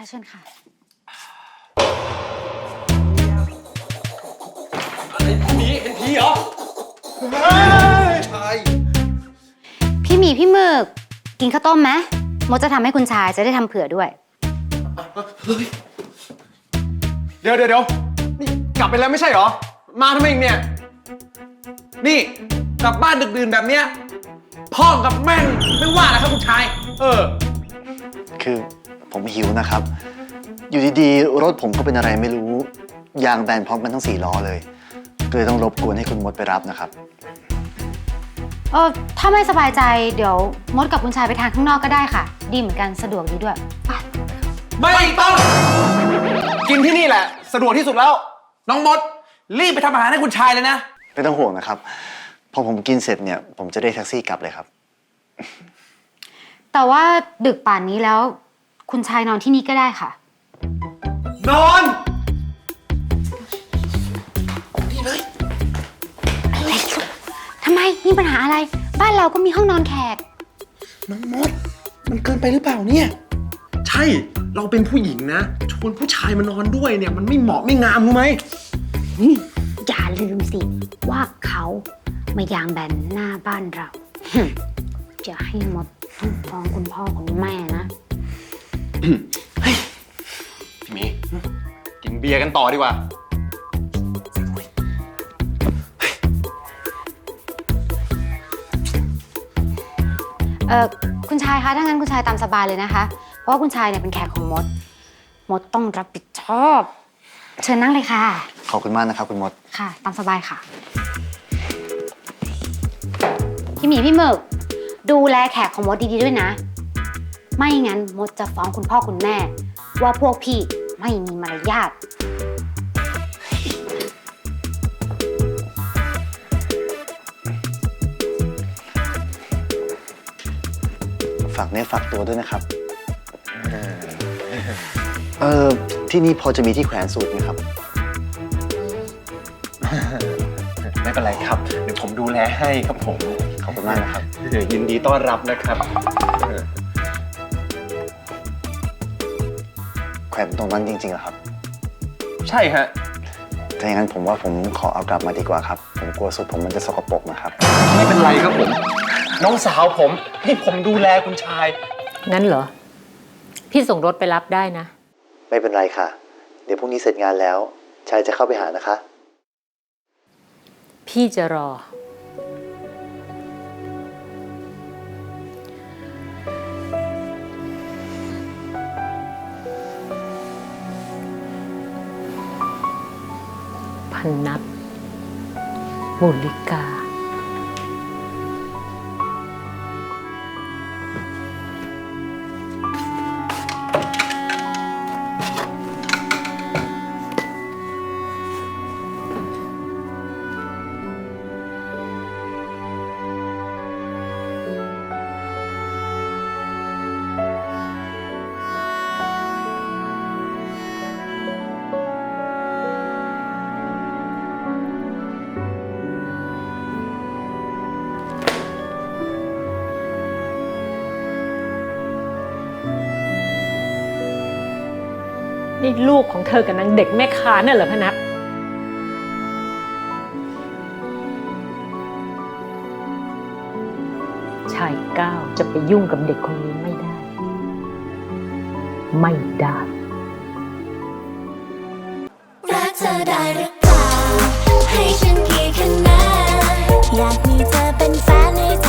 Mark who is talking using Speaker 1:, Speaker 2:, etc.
Speaker 1: เชิญค่ะ
Speaker 2: เห็นผีเหรอใช่
Speaker 1: พี่หมีพี่หมึกกินข้าวต้มไหมมดจะทำให้คุณชายจะได้ทำเผื่อด้วย
Speaker 2: เดี๋ยวนี่กลับไปแล้วไม่ใช่เหรอมาทำไมอีกเนี่ยนี่กลับบ้านดึกดื่นแบบเนี้ยพ่อกับแม่ไม่ว่านะครับคุณชาย
Speaker 3: คือผมหิวนะครับอยู่ดีๆรถผมก็เป็นอะไรไม่รู้ยางแบนพร้อมกันทั้ง4 ล้อเลยก็เลยต้องรบกวนให้คุณมดไปรับนะครับ
Speaker 1: ถ้าไม่สบายใจเดี๋ยวมดกับคุณชายไปทานข้างนอกก็ได้ค่ะดีเหมือนกันสะดวกดีด้วยไป
Speaker 2: ไม่ต้องกินที่นี่แหละสะดวกที่สุดแล้วน้องมดรีบไปทำอาหารให้คุณชายเลยนะ
Speaker 3: ไม่ต้องห่วงนะครับพอผมกินเสร็จเนี่ยผมจะได้แท็กซี่กลับเลยครับ
Speaker 1: แต่ว่าดึกป่านนี้แล้วคุณชายนอนที่นี่ก็ได้ค่ะ
Speaker 2: นอน
Speaker 1: นี่เลยอะไรทำไมมีปัญหาอะไรบ้านเราก็มีห้องนอนแขก
Speaker 2: น้องมดมันเกินไปหรือเปล่าเนี่ยใช่เราเป็นผู้หญิงนะชวนผู้ชายมานอนด้วยเนี่ยมันไม่เหมาะไม่งามรู้ไหม
Speaker 1: อย่าลืมสิว่าเขามายางแบนหน้าบ้านเราจะให้มดต้องฟ้องคุณพ่อคุณแม่นะ
Speaker 2: พี่หมีกินเบียร์กันต่อดีกว่า
Speaker 1: คุณชายคะถ้างั้นคุณชายตามสบายเลยนะคะเพราะว่าคุณชายเนี่ยเป็นแขกของมดต้องรับผิดชอบเชิญนั่งเลยค่ะ
Speaker 3: ขอบคุณมากนะครับคุณมด
Speaker 1: ค่ะตามสบายค่ะพี่หมีพี่หมึกดูแลแขกของมดดีๆด้วยนะไม่งั้นมดจะฟ้องคุณพ่อคุณแม่ว่าพวกพี่ไม่มีมารยาท
Speaker 3: ฝากเนื้อฝากตัวด้วยนะครับที่นี่พอจะมีที่แขวนสูตรไหมครับ
Speaker 2: ไม่เป็นไรครับเดี๋ยวผมดูแลให้ครับผม
Speaker 3: ขอบคุณมากนะครับ
Speaker 2: ยินดีต้อนรับนะครับ
Speaker 3: แขวนตรงนั้นจริงๆเหรอครับ
Speaker 2: ใช่ฮะ
Speaker 3: ถ้าอย่างนั้นผมว่าผมขอเอากลับมาดีกว่าครับผมกลัวสูตรผมมันจะสกปรกนะครับ
Speaker 2: ไม่เป็นไรครับผมน้องสาวผมให้ผมดูแลคุณชาย
Speaker 4: งั้นเหรอพี่ส่งรถไปรับได้นะ
Speaker 3: ไม่เป็นไรค่ะเดี๋ยวพรุ่งนี้เสร็จงานแล้วชายจะเข้าไปหานะคะ
Speaker 4: พี่จะรอพันนับบุริกานี่ลูกของเธอกับนางเด็กแม่ค้าน่ะเหรอพนักชายก้าวจะไปยุ่งกับเด็กคนนี้ไม่ได้
Speaker 5: รักเธอได้หรือเปล่าให้ฉันกี่คะแนนอยากมีเธอเป็นแฟนใน